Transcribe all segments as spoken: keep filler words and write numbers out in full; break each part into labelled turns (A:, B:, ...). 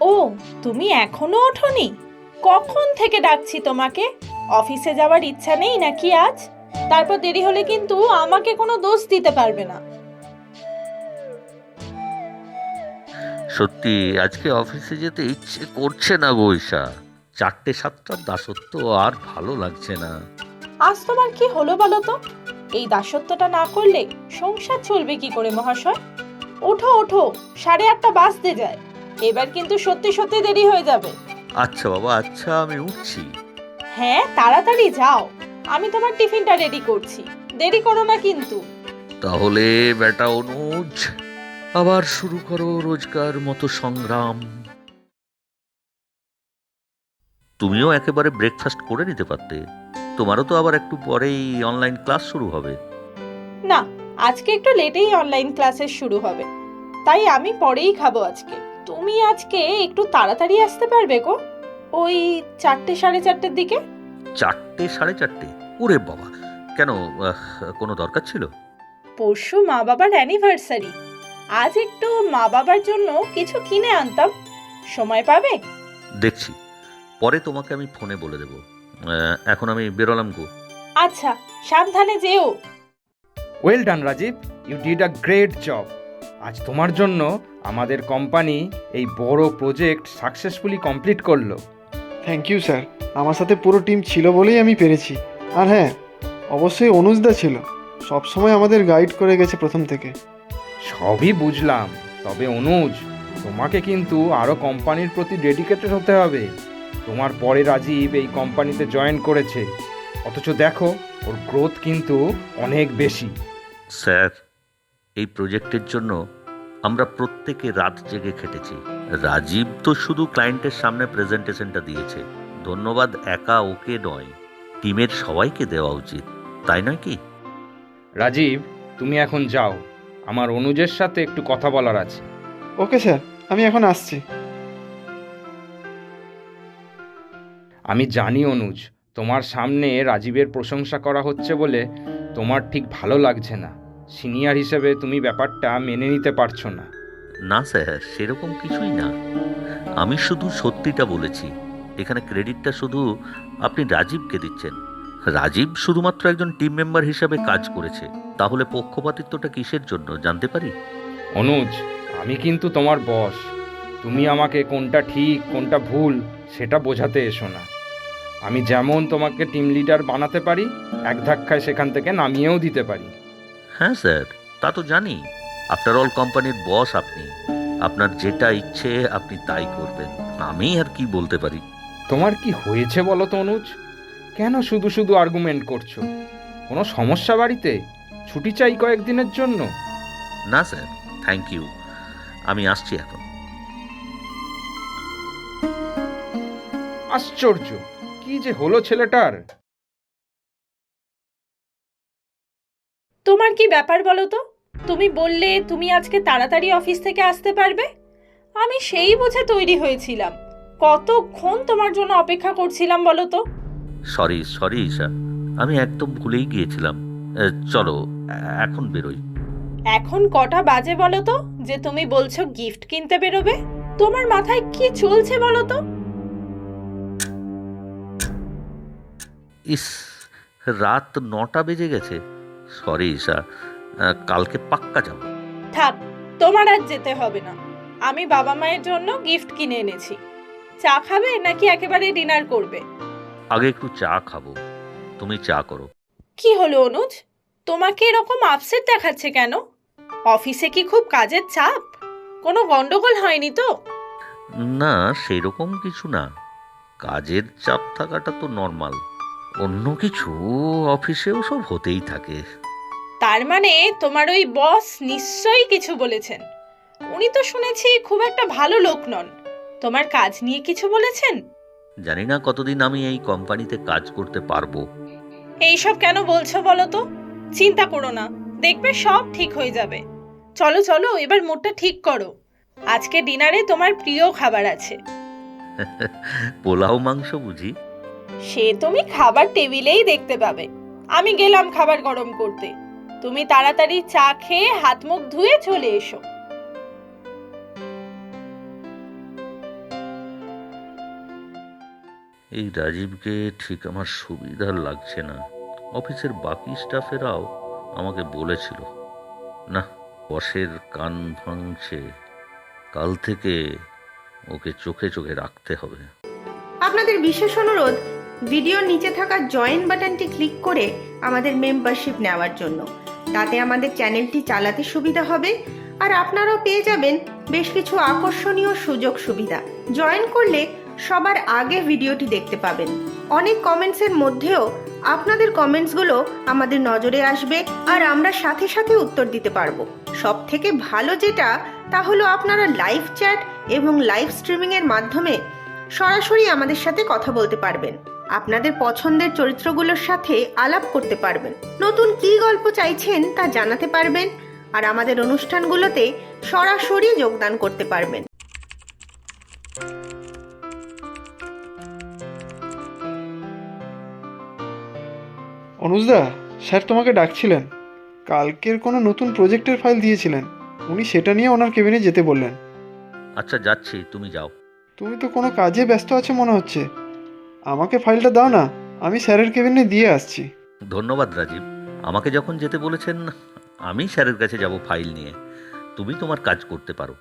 A: ও, তুমি এখনো ওঠোনি? কখন থেকে ডাকছি তোমাকে। অফিসে যাওয়ার ইচ্ছা নেই নাকি আজ? তারপর দেরি হলে কিন্তু আমাকে কোনো দোষ দিতে পারবে না।
B: সত্যি আজকে অফিসে যেতে ইচ্ছে করছে না গো ঈশা। চারটে সাতটার দাসত্ব আর ভালো লাগছে না।
A: আজ তোমার কি হলো বলো তো? এই দাসত্বটা না করলে সংসার চলবে কি করে মহাশয়? ওঠো ওঠো, সাড়ে আটটা বাজতে যায়। এবার কিন্তু সত্যি সত্যি দেরি হয়ে যাবে।
B: আচ্ছা বাবা, আচ্ছা আমি উঠছি।
A: হ্যাঁ, তাড়াতাড়ি যাও। আমি তোমার টিফিনটা রেডি করছি, দেরি করো না কিন্তু।
B: তাহলে বেটা অনুজ, আবার শুরু করো রোজকার মতো সংগ্রাম। তুমিও একেবারে ব্রেকফাস্ট করে নিতে পারতে। তোমারও তো আবার একটু পরেই অনলাইন ক্লাস শুরু হবে।
A: না, আজকে একটু লেটেই অনলাইন ক্লাসেস শুরু হবে, তাই আমি পরেই খাবো আজকে। তুমি আজকে একটু তাড়াতাড়ি আসতে পারবে গো? ওই চারটে সাড়ে চারটের দিকে।
B: চারটে সাড়ে চারটে? ওরে বাবা, কেন? আহ, কোনো দরকার ছিল?
A: পরশু মা বাবার অ্যানিভার্সারি, আজ একটু মা বাবার জন্য কিছু কিনে আনতাম। সময় পাবে?
B: দেখছি, পরে তোমাকে আমি ফোনে বলে দেবো। আহ, এখন আমি বেরোলাম গো।
A: আচ্ছা, সাবধানে যেও।
C: Well done Rajiv, you did a great job. আজ তোমার জন্য আমাদের কোম্পানি এই বড় প্রজেক্ট সাকসেসফুলি কমপ্লিট করলো।
D: থ্যাংক ইউ স্যার, আমার সাথে পুরো টিম ছিল বলেই আমি পেরেছি। আর হ্যাঁ, অবশ্যই অনুজদা ছিল, সবসময় আমাদের গাইড করে গেছে প্রথম থেকে।
C: সবই বুঝলাম, তবে অনুজ, তোমাকে কিন্তু আরও কোম্পানির প্রতি ডেডিকেটেড হতে হবে। তোমার পরে রাজীব এই কোম্পানিতে জয়েন করেছে, অথচ দেখো ওর গ্রোথ কিন্তু অনেক বেশি।
B: স্যার, এই প্রজেক্টের জন্য আমরা প্রত্যেকে রাত জেগে খেটেছি। রাজীব তো শুধু ক্লায়েন্টের সামনে প্রেজেন্টেশনটা দিয়েছে। ধন্যবাদ একা ওকে নয়, টিমের সবাইকে দেওয়া উচিত, তাই নয় কি?
C: রাজীব, তুমি এখন যাও, আমার অনুজের সাথে একটু কথা বলার আছে।
D: ওকে স্যার, আমি এখন আসছি।
C: আমি জানি অনুজ, তোমার সামনে রাজীবের প্রশংসা করা হচ্ছে বলে তোমার ঠিক ভালো লাগছে না। সিনিয়র হিসেবে তুমি ব্যাপারটা মেনে নিতে পারছো না।
B: না স্যার, সেরকম কিছুই না। আমি শুধু সত্যিটা বলেছি। এখানে ক্রেডিটটা শুধু আপনি রাজীবকে দিচ্ছেন। রাজীব শুধুমাত্র একজন টিম মেম্বার হিসাবে কাজ করেছে। তাহলে পক্ষপাতিত্বটা কিসের জন্য জানতে পারি?
C: অনুজ, আমি কিন্তু তোমার বস। তুমি আমাকে কোনটা ঠিক কোনটা ভুল সেটা বোঝাতে এসো না। আমি যেমন তোমাকে টিম লিডার বানাতে পারি, এক ধাক্কায় সেখান থেকে নামিয়েও দিতে পারি।
B: হ্যাঁ স্যার, তা তো জানি। আফটার অল কোম্পানির বস আপনি। আপনার যেটা ইচ্ছে আপনি তাই করবেন। আমি আর কি বলতে পারি?
C: তোমার কি হয়েছে বলো তো অনুজ? কেন শুধু শুধু আর্গুমেন্ট করছো? কোনো সমস্যা বাড়িতে? ছুটি চাই কয়েকদিনের জন্য?
B: না স্যার, থ্যাংক ইউ। আমি আসছি এখন।
C: আশ্চর্য, কি যে হলো ছেলেটার!
A: তোমার কি ব্যাপার বলো তো? তুমি বললে তুমি আজকে তাড়াতাড়ি অফিস থেকে আসতে পারবে। আমি সেই বুঝে তৈরি হয়েছিলাম। কতক্ষণ তোমার জন্য অপেক্ষা করছিলাম বলো তো।
B: সরি সরি ঈশা, আমি একদম ভুলেই গিয়েছিলাম। এ, চলো এ- এখন বেরোই।
A: এখন কটা বাজে বলো তো যে তুমি বলছো গিফট কিনতে বেরোবে? তোমার মাথায় কি চলছে বলো তো?
B: ইস, রাত নটা বেজে গেছে। সরি ঈশা, আহ, কালকে পাক্কা যাব।
A: থাক, তোমার আর যেতে হবে না। আমি বাবা মায়ের জন্য গিফট কিনে এনেছি। চা খাবে নাকি একেবারে ডিনার করবে?
B: আগে একটু চা খাবো, তুমি চা করো।
A: কি হলো অনুজ, তোমাকে এরকম আপসেট দেখাচ্ছে কেন? অফিসে কি খুব কাজের চাপ? কোনো গন্ডগোল হয়নি তো?
B: না, সেরকম কিছু না। কাজের চাপ থাকাটা তো নর্মাল। অন্য কিছু অফিসেও সব হতেই থাকে।
A: তার মানে তোমার ওই বস নিশ্চয়ই কিছু বলেছেন। উনি তো শুনেছি খুব একটা ভালো লোক নন। তোমার কাজ নিয়ে কিছু বলেছেন?
B: জানি না কতদিন আমি এই কোম্পানিতে কাজ করতে পারবো।
A: এইসব কেন বলছো বলো তো? চিন্তা করো না, দেখবে সব ঠিক হয়ে যাবে। চলো চলো, এবার মুডটা ঠিক করো। আজকে ডিনারে তোমার প্রিয় খাবার আছে।
B: পোলাও মাংস বুঝি?
A: সে তুমি খাবার টেবিলেই দেখতে পাবে। আমি গেলাম খাবার গরম করতে। তুমি তাড়াতাড়ি চা খেয়ে হাত মুখ ধুয়ে চলে এসো।
B: এই রাজীবকে ঠিক আমার সুবিধার লাগছে না। অফিসের বাকি স্টাফেরাও আমাকে বলেছিল, না, বসের কান ভাঙছে, কাল থেকে ওকে চোখে চোখে রাখতে হবে।
E: আপনাদের বিশেষ অনুরোধ, ভিডিওর নিচে থাকা জয়েন বাটনটি ক্লিক করে আমাদের মেম্বারশিপ নেওয়ার জন্য। তাতে আমাদের চ্যানেলটি চালাতে সুবিধা হবে, আর আপনারাও পেয়ে যাবেন বেশ কিছু আকর্ষণীয় সুযোগ সুবিধা। জয়েন করলে সবার আগে ভিডিওটি দেখতে পাবেন। অনেক কমেন্টসের মধ্যেও আপনাদের কমেন্টসগুলো আমাদের নজরে আসবে, আর আমরা সাথে সাথে উত্তর দিতে পারবো। সব থেকে ভালো যেটা, তা হলো আপনারা লাইভ চ্যাট এবং লাইভ স্ট্রিমিংয়ের মাধ্যমে সরাসরি আমাদের সাথে কথা বলতে পারবেন। আপনাদের পছন্দের চরিত্রগুলোর সাথে আলাপ করতে পারবেন, নতুন কী গল্প চাইছেন তা জানাতে পারবেন, আর আমাদের অনুষ্ঠানগুলোতে সরাসরি যোগদান করতে পারবেন।
D: অনুজদা, স্যার তোমাকে ডাকছিলেন। কালকের কোনো নতুন প্রজেক্টের ফাইল দিয়েছিলেন, উনি সেটা নিয়ে ওনার কেবিনে যেতে বললেন।
B: আচ্ছা, যাচ্ছি, তুমি যাও।
D: তুমি তো কোনো কাজে ব্যস্ত আছো মনে হচ্ছে। আমাকে ফাইলটা দাও না, আমি স্যারের কেবিনে দিয়ে আসছি।
B: ধন্যবাদ রাজীব, আমাকে যখন যেতে বলেছেন আমি স্যারের কাছে যাব ফাইল নিয়ে। তুমি তোমার কাজ করতে পারো।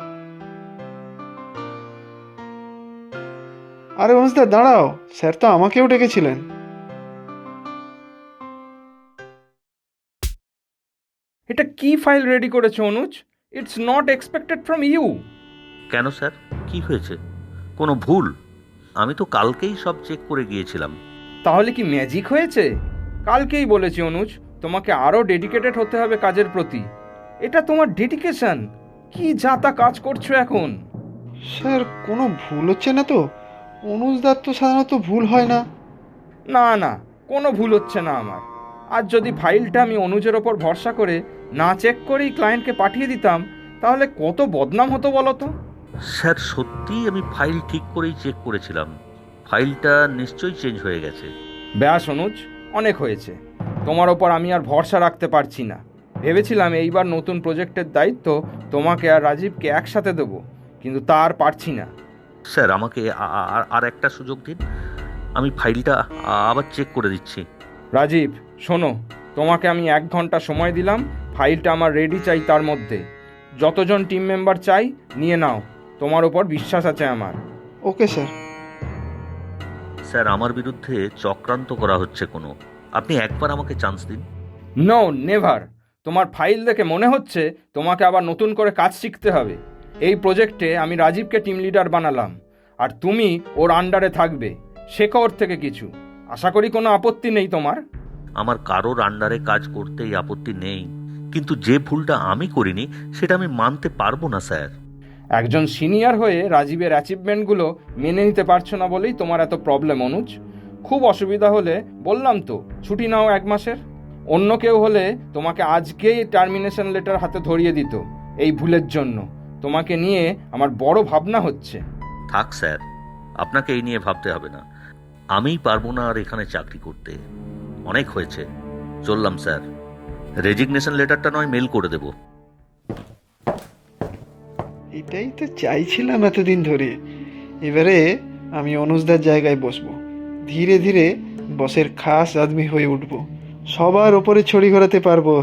D: আরে অনুজদা দাঁড়াও, স্যার তো আমাকেও ডেকেছিলেন।
C: এটা কি ফাইল রেডি করেছো Anuj? It's not expected from you.
B: কেন স্যার, কি হয়েছে? কোনো ভুল? আমি তো কালকেই সব চেক করে গিয়েছিলাম।
C: তাহলে কি ম্যাজিক হয়েছে? কালকেই বলেছি অনুজ, তোমাকে আরও ডেডিকেটেড হতে হবে কাজের প্রতি। এটা তোমার ডেডিকেশন। কি যা তা কাজ করছো এখন।
D: স্যার কোনো ভুল হচ্ছে না তো? অনুজদার তো সাধারণত ভুল হয় না।
C: না না, কোনো ভুল হচ্ছে না আমার। আর যদি ফাইলটা আমি অনুজের ওপর ভরসা করে না চেক করেই ক্লায়েন্টকে পাঠিয়ে দিতাম, তাহলে কত বদনাম হতো বলো তো।
B: স্যার, সত্যিই আমি ফাইল ঠিক করেই চেক করেছিলাম। ফাইলটা নিশ্চয়ই চেঞ্জ হয়ে গেছে।
C: ব্যাস অনুজ, অনেক হয়েছে। তোমার ওপর আমি আর ভরসা রাখতে পারছি না। ভেবেছিলাম এইবার নতুন প্রজেক্টের দায়িত্ব তোমাকে আর রাজীবকে একসাথে দেবো, কিন্তু তা আর পারছি না।
B: স্যার, আমাকে আ- আ- আর একটা সুযোগ দিন, আমি ফাইলটা আবার চেক করে দিচ্ছি।
C: রাজীব শোনো, তোমাকে আমি এক ঘন্টা সময় দিলাম। ফাইলটা আমার রেডি চাই, তার মধ্যে যতজন টিম মেম্বার চাই নিয়ে নাও। তোমার ওপর বিশ্বাস আছে আমার।
D: Okay sir.
B: স্যার, আমার বিরুদ্ধে চক্রান্ত করা হচ্ছে কোনো। আপনি একবার আমাকে চান্স দিন।
C: No, never. তোমার ফাইল দেখে মনে হচ্ছে তোমাকে আবার নতুন করে কাজ শিখতে হবে। এই প্রজেক্টে আমি রাজীবকে টিম লিডার বানালাম, আর তুমি ওর আন্ডারে থাকবে। শেখো ওর থেকে কিছু। আশা করি কোনো আপত্তি নেই তোমার।
B: আমার কারোর আন্ডারে কাজ করতেই আপত্তি নেই, কিন্তু যে ভুলটা আমি করিনি সেটা আমি মানতে পারবো না স্যার।
C: একজন সিনিয়র হয়ে রাজীবের অ্যাচিভমেন্টগুলো মেনে নিতে পারছো না বলেই তোমার এত প্রবলেম অনুজ। খুব অসুবিধা হলে বললাম তো, ছুটি নাও এক মাসের। অন্য কেউ হলে তোমাকে আজকেই টার্মিনেশন লেটার হাতে ধরিয়ে দিত এই ভুলের জন্য। তোমাকে নিয়ে আমার বড় ভাবনা হচ্ছে।
B: থাক স্যার, আপনাকে এই নিয়ে ভাবতে হবে না। আমিই পারবো না আর এখানে চাকরি করতে। অনেক হয়েছে, চললাম স্যার। রেজিগনেশন লেটারটা নয় মেল করে দেব।
D: এটাই তো চাইছিলাম এতদিন ধরে। এবারে আমি অনুজদার জায়গায় বসবো। ধীরে ধীরে বসের খাস আদমি হয়ে উঠবো, সবার ওপরে ছড়ি ঘোরাতে পারবো।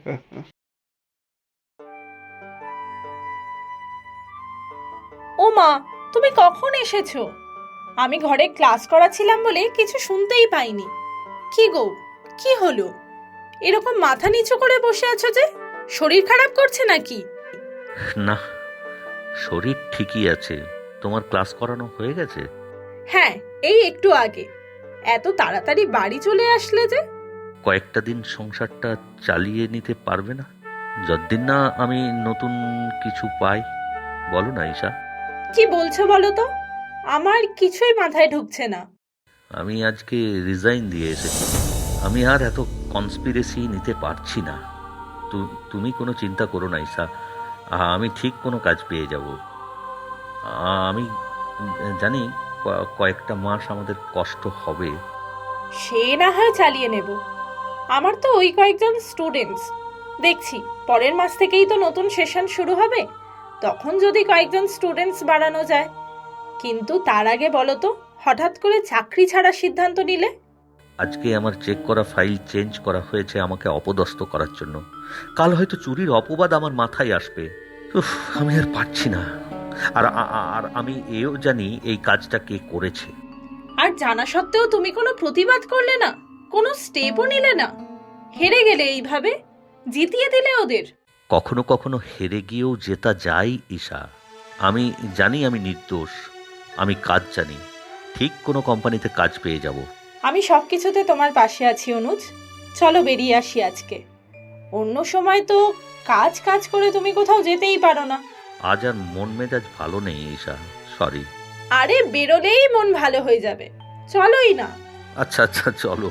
A: ও মা, তুমি কখন এসেছো? আমি ঘরে ক্লাস করাছিলাম বলে কিছু শুনতেই পাইনি। কি গো, কি হলো? এরকম মাথা নিচু করে বসে আছো যে? শরীর খারাপ করছে নাকি?
B: না, শরীর ঠিকই আছে। তোমার ক্লাস করানো হয়ে গেছে?
A: হ্যাঁ, এই একটু আগে। এত তাড়াতাড়ি বাড়ি চলে আসলে যে?
B: কয়েকটা দিন সংসারটা চালিয়ে নিতে পারবে না? যতদিন না আমি নতুন কিছু পাই। বলো না ঈশা।
A: কি বলছো বলো তো? আমার কিছুই মাথায় ঢুকছে না।
B: আমি আজকে রিজাইন দিয়ে এসেছি। আমি আর এত কনস্পিরেসি নিতে পারছি না। তু- তুমি কোনো চিন্তা করো না ঈশা, আমি ঠিক কোনো কাজ পেয়ে যাব। আমি জানি ক- কয়েকটা মাস আমাদের কষ্ট হবে।
A: সে না হয় চালিয়ে নেব। আমার তো ওই কয়েকজন স্টুডেন্টস দেখছি, পরের মাস থেকেই তো নতুন সেশন শুরু হবে। তখন যদি কয়েকজন স্টুডেন্টস বাড়ানো যায়। কিন্তু তার আগে বলো তো, হঠাৎ করে চাকরি ছাড়ার সিদ্ধান্ত নিলে?
B: আজকে আমার চেক করা ফাইল চেঞ্জ করা হয়েছে আমাকে অপদস্থ করার জন্য। কাল হয়তো চুরির অপবাদ আমার মাথায় আসবে। উফ, আমি আর পারছি না। আর আ- আ- আর আমি এও জানি এই কাজটা কে করেছে।
A: আর জানা সত্ত্বেও তুমি কোনো প্রতিবাদ করলে না, কোনো স্টেপও নিলে না। হেরে গেলে এইভাবে, জিতিয়ে দিলে ওদের।
B: কখনো কখনো হেরে গিয়েও জেতা যায় ঈশা। আমি জানি আমি নির্দোষ, আমি কাজ জানি, ঠিক কোনো কোম্পানিতে কাজ পেয়ে যাব।
A: আমি সব কিছুতে তোমার পাশে আছি অনুজ। চলো বেরিয়ে আসি আজকে। অন্য সময় তো কাজ কাজ করে তুমি কোথাও যেতেই পারো না।
B: আজ আর মন মেজাজ ভালো নেই ঈশা, সরি।
A: আরে বেরোলেই মন ভালো হয়ে যাবে, চলোই না।
B: আচ্ছা আচ্ছা চলো।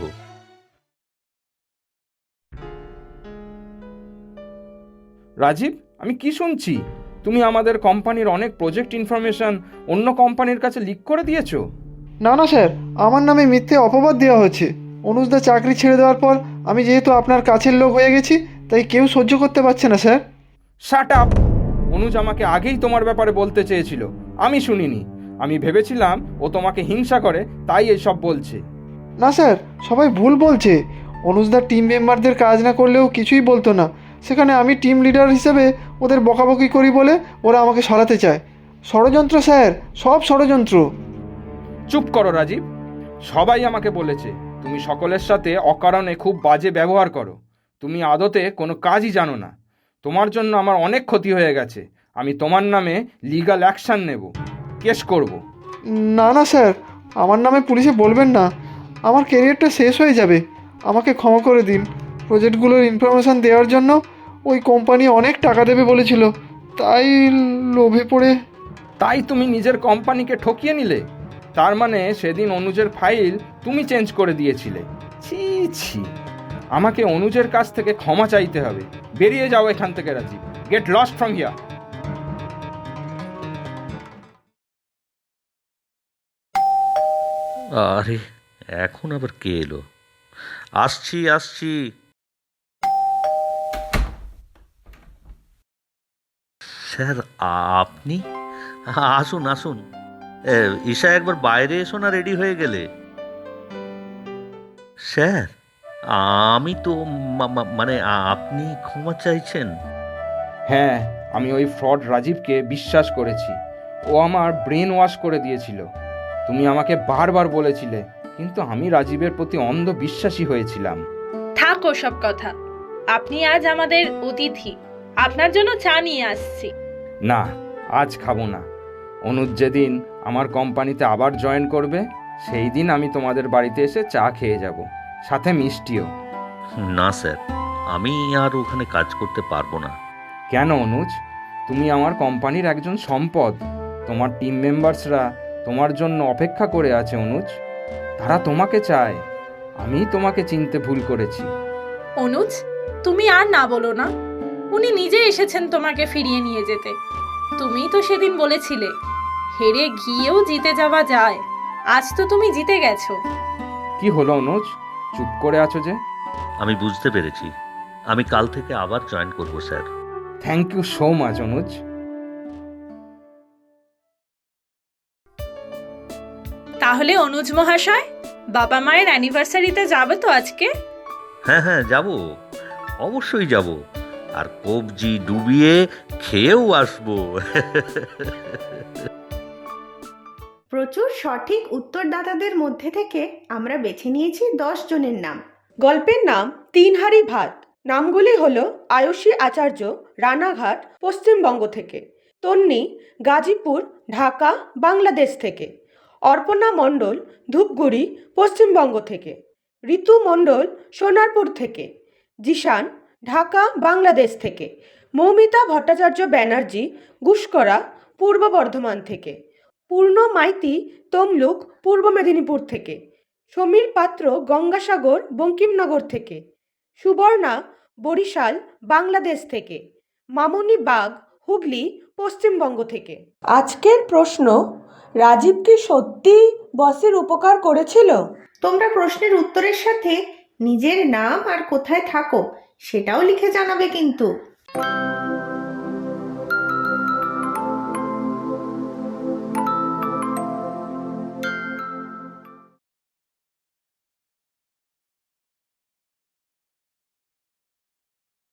C: রাজীব, আমি কি শুনছি? তুমি আমাদের কোম্পানির অনেক প্রজেক্ট ইনফরমেশন অন্য কোম্পানির কাছে লিক করে দিয়েছো?
D: না না স্যার, আমার নামে মিথ্যে অপবাদ দেওয়া হচ্ছে। অনুজদা চাকরি ছেড়ে দেওয়ার পর আমি যেহেতু আপনার কাছের লোক হয়ে গেছি, তাই কেউ সহ্য করতে পারছে না স্যার।
C: Shut up! অনুজ আমাকে আগেই তোমার ব্যাপারে বলতে চেয়েছিল, আমি শুনিনি। আমি ভেবেছিলাম ও তোমাকে হিংসা করে, তাই এসব বলছে।
D: না স্যার, সবাই ভুল বলছে। অনুজদার টিম মেম্বারদের কাজ না করলেও কিছুই বলতো না। সেখানে আমি টিম লিডার হিসেবে ওদের বকাবকি করি বলে ওরা আমাকে সরাতে চায়। ষড়যন্ত্র স্যার, সব ষড়যন্ত্র।
C: চুপ করো রাজীব। সবাই আমাকে বলেছে তুমি সকলের সাথে অকারণে খুব বাজে ব্যবহার করো। তুমি আদতে কোনো কাজই জানো না। তোমার জন্য আমার অনেক ক্ষতি হয়ে গেছে। আমি তোমার নামে লিগ্যাল অ্যাকশন নেব, কেস করব।
D: না না স্যার, আমার নামে পুলিশে বলবেন না। আমার কেরিয়ারটা শেষ হয়ে যাবে। আমাকে ক্ষমা করে দিন। প্রজেক্টগুলোর ইনফরমেশান দেওয়ার জন্য ওই কোম্পানি অনেক টাকা দেবে বলেছিল, তাই লোভে পড়ে।
C: তাই তুমি নিজের কোম্পানিকে ঠকিয়ে নিলে? তার মানে সেদিন অনুজের ফাইল তুমি চেঞ্জ করে দিয়েছিলে? ছি ছি, আমাকে অনুজের কাছ থেকে ক্ষমা চাইতে হবে। বেরিয়ে যাও এখান থেকে Rajiv. Get lost from here.
B: আরে এখন আবার কে এলো? আসছি আসছি। স্যার আপনি? আসুন আসুন। এ, ঈশা একবার বাইরে এসো না, রেডি হয়ে গেলে। স্যার আমি তো মা- মা- মানে আপনি ক্ষমা চাইছেন?
C: হ্যাঁ, আমি ওই ফ্রড রাজীবকে বিশ্বাস করেছি। ও আমার ব্রেন ওয়াশ করে দিয়েছিল। তুমি আমাকে বারবার বলেছিলে, কিন্তু আমি রাজীবের প্রতি অন্ধ বিশ্বাসী হয়েছিলাম।
A: থাক ওসব কথা। আপনি আজ আমাদের অতিথি, আপনার জন্য চা নিয়ে আসছি।
C: না, আজ খাবো না। অনুজ যেদিন আমার কোম্পানিতে আবার জয়েন করবে, সেই দিন আমি তোমাদের বাড়িতে এসে চা খেয়ে যাব, সাথে মিষ্টিও।
B: না স্যার, আমি আর ওখানে কাজ করতে পারবো না।
C: কেন অনুজ? তুমি আমার কোম্পানির একজন সম্পদ। তোমার টিম মেম্বার্সরা তোমার জন্য অপেক্ষা করে আছে অনুজ। তারা তোমাকে চায়। আমি তোমাকে চিনতে ভুল করেছি।
A: অনুজ, তুমি আর না বলো না। উনি নিজে এসেছেন তোমাকে ফিরিয়ে নিয়ে যেতে। তুমিই তো সেদিন বলেছিলে হেরে গিয়েও জিতে যাওয়া যায়। আজ তো তুমি জিতে গেছো।
C: কি হলো অনুজ, চুপ করে আছো যে?
B: আমি বুঝতে পেরেছি, আমি কাল থেকে আবার জয়েন করবো sir.
C: Thank you so much Anuj.
A: তাহলে অনুজ মহাশয়, বাবা মায়ের অ্যানিভার্সারিতে যাবে তো আজকে?
B: হ্যাঁ হ্যাঁ যাব, অবশ্যই যাব। আর কবজি ডুবিয়ে খেয়েও আসবো।
E: প্রচুর সঠিক উত্তরদাতাদের মধ্যে থেকে আমরা বেছে নিয়েছি দশ জনের নাম।
F: গল্পের নাম তিন হাঁড়ি ভাত। নামগুলি হলো আয়ুষী আচার্য, রানাঘাট, পশ্চিমবঙ্গ থেকে; তন্নি, গাজীপুর, ঢাকা, বাংলাদেশ থেকে; অর্পণা মণ্ডল, ধূপগুড়ি, পশ্চিমবঙ্গ থেকে; ঋতু মণ্ডল, সোনারপুর থেকে; জিশান, ঢাকা, বাংলাদেশ থেকে; মৌমিতা ভট্টাচার্য ব্যানার্জি, গুসকরা, পূর্ব বর্ধমান থেকে; পূর্ণ মাইতি, তমলুক, পূর্ব মেদিনীপুর থেকে; সমীর পাত্র, গঙ্গাসাগর, বঙ্কিমনগর থেকে; সুবর্ণা, বরিশাল, বাংলাদেশ থেকে; মামনি বাগ, হুগলি, পশ্চিমবঙ্গ থেকে। আজকের প্রশ্ন: রাজীব কি সত্যি বসের উপকার করেছিল?
E: তোমরা প্রশ্নের উত্তরের সাথে নিজের নাম আর কোথায় থাকো সেটাও লিখে জানাবে কিন্তু।